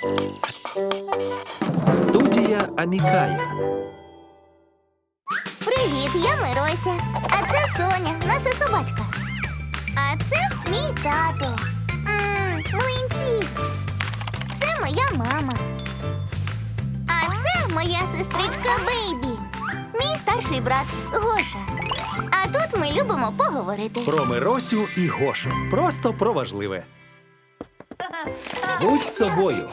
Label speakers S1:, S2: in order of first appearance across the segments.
S1: Студія Амікая.
S2: Привіт, я Мирося. А це Соня, наша собачка. А це мій тато. Млинці. Це моя мама. А це моя сестричка Бейбі. Мій старший брат Гоша. А тут ми любимо поговорити.
S1: Про Миросю і Гошу. Просто про важливе. Будь собою.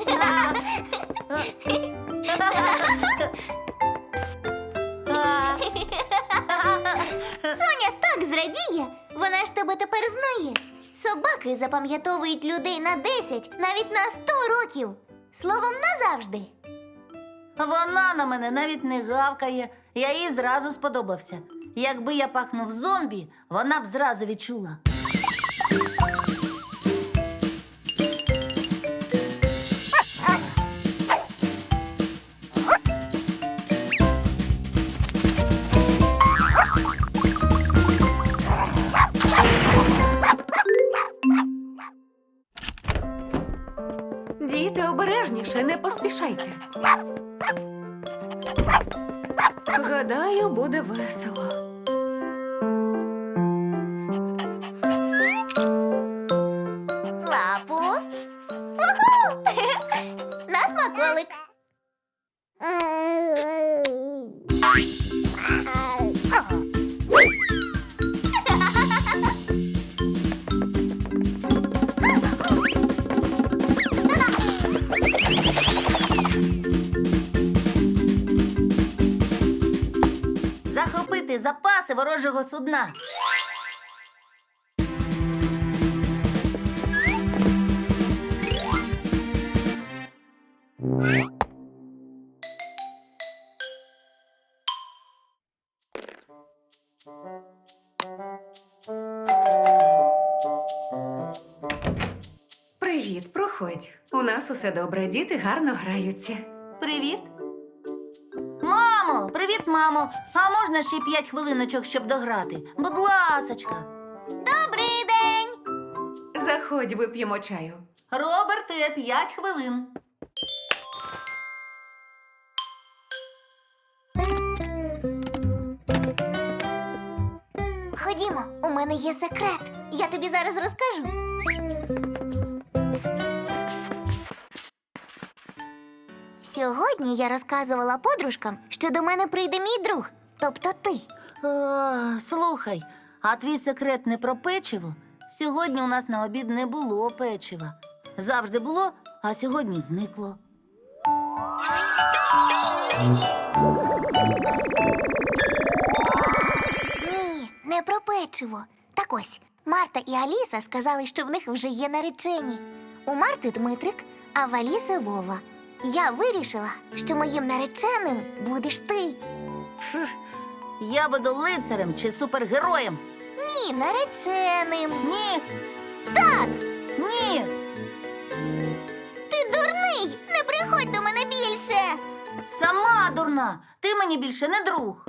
S2: Соня так зрадіє. Вона ж тебе тепер знає. Собаки запам'ятовують людей на 10, навіть на 100 років. Словом, назавжди.
S3: Вона на мене навіть не гавкає. Я їй зразу сподобався. Якби я пахнув зомбі, вона б зразу відчула.
S4: Діти, обережніше, не поспішайте. Гадаю, буде весело.
S2: Лапу. Уху! На смаколик.
S3: Захопити запаси ворожого судна.
S4: Привіт, проходь. У нас усе добре, діти гарно граються.
S3: Привіт. Мамо, привіт, мамо. А можна ще 5 хвилиночок, щоб дограти? Будь ласочка.
S2: Добрий день.
S4: Заходь, вип'ємо чаю.
S3: Роберте, 5 хвилин.
S2: Ходімо, у мене є секрет. Я тобі зараз розкажу. Сьогодні я розказувала подружкам, що до мене прийде мій друг, тобто ти.
S3: Слухай, а твій секрет не про печиво? Сьогодні у нас на обід не було печива. Завжди було, а сьогодні зникло.
S2: Ні, не про печиво. Так ось, Марта і Аліса сказали, що в них вже є наречені. У Марти Дмитрик, а в Аліси Вова. Я вирішила, що моїм нареченим будеш ти.
S3: Я буду лицарем чи супергероєм?
S2: Ні, нареченим.
S3: Ні,
S2: Так,
S3: ні.
S2: ти дурний! Не приходь до мене більше!
S3: Сама дурна. Ти мені більше не друг.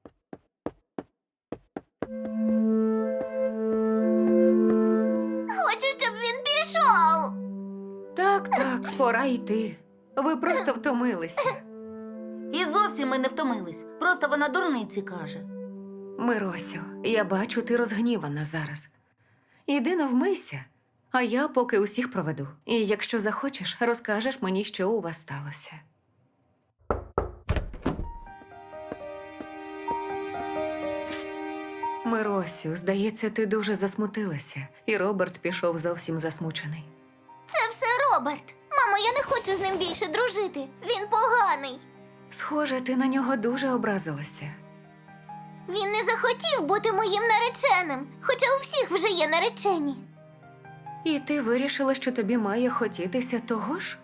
S2: Хочу, щоб він пішов.
S4: Так, пора йти. Ви просто втомилися.
S3: І зовсім ми не втомились. Просто вона дурниці каже.
S4: Миросю, я бачу, ти розгнівана зараз. Іди навмийся, а я поки усіх проведу. І якщо захочеш, розкажеш мені, що у вас сталося. Миросю, здається, ти дуже засмутилася, і Роберт пішов зовсім засмучений.
S2: Це все Роберт. Мамо, я не хочу з ним більше дружити. Він поганий.
S4: Схоже, ти на нього дуже образилася.
S2: Він не захотів бути моїм нареченим, хоча у всіх вже є наречені.
S4: І ти вирішила, що тобі має хотітися того ж?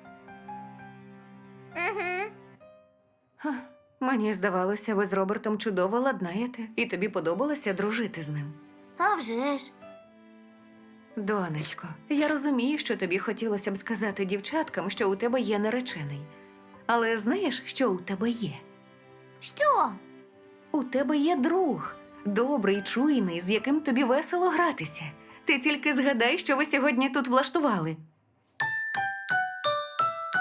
S2: Угу.
S4: Ха, мені здавалося, ви з Робертом чудово ладнаєте, і тобі подобалося дружити з ним.
S2: А вже ж.
S4: Донечко, я розумію, що тобі хотілося б сказати дівчаткам, що у тебе є наречений. Але знаєш, що у тебе є?
S2: Що?
S4: У тебе є друг. Добрий, чуйний, з яким тобі весело гратися. Ти тільки згадай, що ви сьогодні тут влаштували.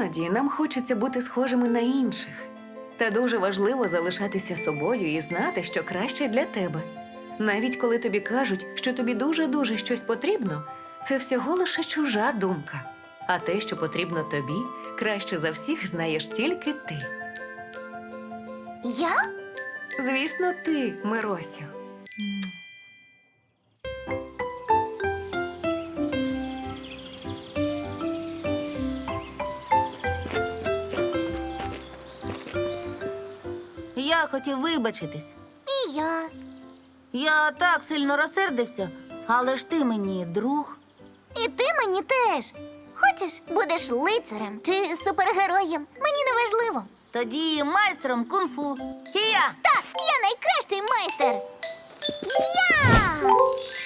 S4: Іноді нам хочеться бути схожими на інших. Та дуже важливо залишатися собою і знати, що краще для тебе. Навіть коли тобі кажуть, що тобі дуже-дуже щось потрібно, це всього лише чужа думка. А те, що потрібно тобі, краще за всіх знаєш тільки ти.
S2: Я?
S4: Звісно, ти, Миросю.
S3: Я хотів вибачитись.
S2: І я.
S3: Я так сильно розсердився, але ж ти мені друг.
S2: І ти мені теж. Хочеш, будеш лицарем чи супергероєм? Мені не важливо.
S3: Тоді майстром кунг-фу. Хія!
S2: Так, я найкращий майстер. Я!